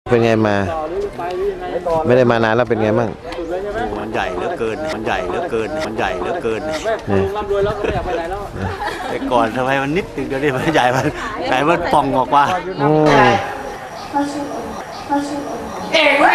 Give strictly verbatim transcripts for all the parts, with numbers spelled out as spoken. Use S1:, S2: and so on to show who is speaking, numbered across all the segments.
S1: เป็นไงมาไม่ได้มานานแล้วเป็นไงบ้าง
S2: มันใหญ่เหลือเกินมันใหญ่เหลือเกินมันใหญ่เหลือเกินร่ำรวยแล้วก็ไม่อยากไปไหนแล้วแต่ก่อนทำไมมันนิดนึงเดี๋ยวนี้มันใหญ่มันใหญ่มันป่องออกมา
S3: เอ๋แม่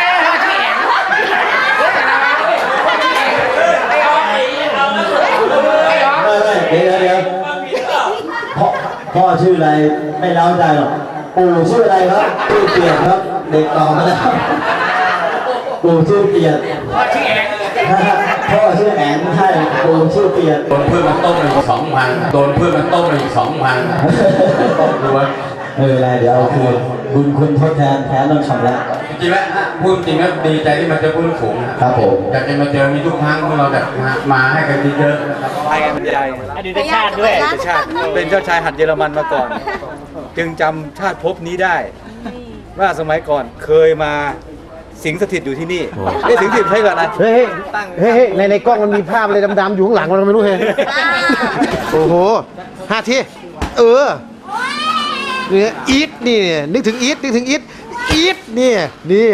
S4: เดี๋ยวเดี๋ยวพ่อพ่อชื่ออะไรไม่เล่าใจหรอกปู่ชื่ออะไรครับชื่อเกียรติครับเด็กต่อมาแล้วปู่ชื่อเกียรติพ่อชื่อแอนพ่อชื่อแอนใช่ปู่ชื่อเกียรติ
S5: โดนเพื่อนมันต้มไปอีกสองพันโดนเพื่อนมันต้มไปอีกสองพันต้องดูว่า
S4: เอออะไรเดี๋ยวเอาคืนบุญคุณทดแทนแทนต้องชำระ
S5: จริงๆแล้วพูดจริงๆดีใจที่มาเจอผู้สูง
S4: ครับผม
S5: อยากจะมาเจอมีทุกครั้งพวกเราแบบมาให้กันเยอะ
S2: ๆให้กันบรรยายอดีตชาติด้วยอดีตชาติเป็นเจ้าชายหัดเยอรมันมาก่อนจึงจำชาติภพนี้ได้ว่าสมัยก่อนเคยมาสิงสถิตอยู่ที่นี่ไอ้สิงสถิตใช่ก่อนนะ
S1: เฮ้ยเฮ้ยในในกล้องมันมีภาพอะไรดำๆอยู่ข้างหลังเราไม่รู้เห็นโอ้โหห้าทีเออเนี่ยอีทนี่นึกถึงอีทนึกถึงอีทอีทนี่นี่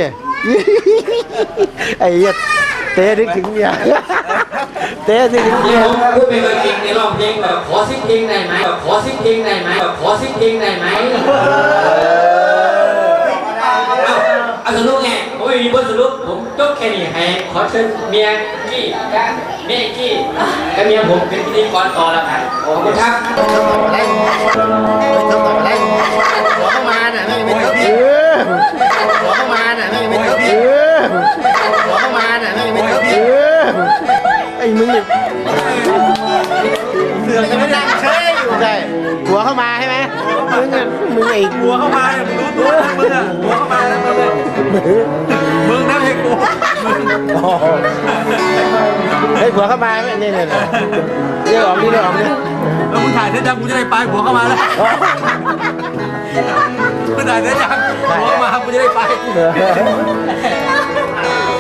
S1: ไอ้เหี้ยเต้นึกถึงเนี่ยเต้นึกถึงเนี่ย
S3: พูดเป็นจริงในรอบเพลงแบบขอซิกเพลงได้ไหมแบบขอซิกเพลงได้ไหมแบบขอซิกเพลงได้ไหมเอาสรุปไงผมไม่มีบทสรุปผมจบแค่นี้ให้ขอเชิญเมียกี้เมียกี้และเมียผมเป็นพิธีกรต่อแล้วกันขอบคุณครับหัวเข้ามาน่ะไม่ไม่เท่าหัวเข้ามาน่ะไม่ไม่เท่าหัวเข้ามาน่ะไม่ไม่เท่า
S1: ไอ้มึงเนี่ย
S3: เสือกจะไม่ดังเชยอยู่
S1: ใช่หัวเข้ามาใช่ไหมมึงอ่ะมึงไอ้
S2: หัวเข้ามาเนี่ยมึงรู้ตัวมึงอ่ะหัวเข้ามาแล้วมึงมึงนะเฮ้ยกู
S1: ไอ้หัวเข้ามาไม่เนี่ยเนี่ยเรียกออกนี่เรียกออกนี่
S2: แล้วมึงถ่ายเสร็จยังกูจะได้ไปหัวเข้ามาแล้วมึงถ่ายเสร็จยังหัวมากูจะได้ไป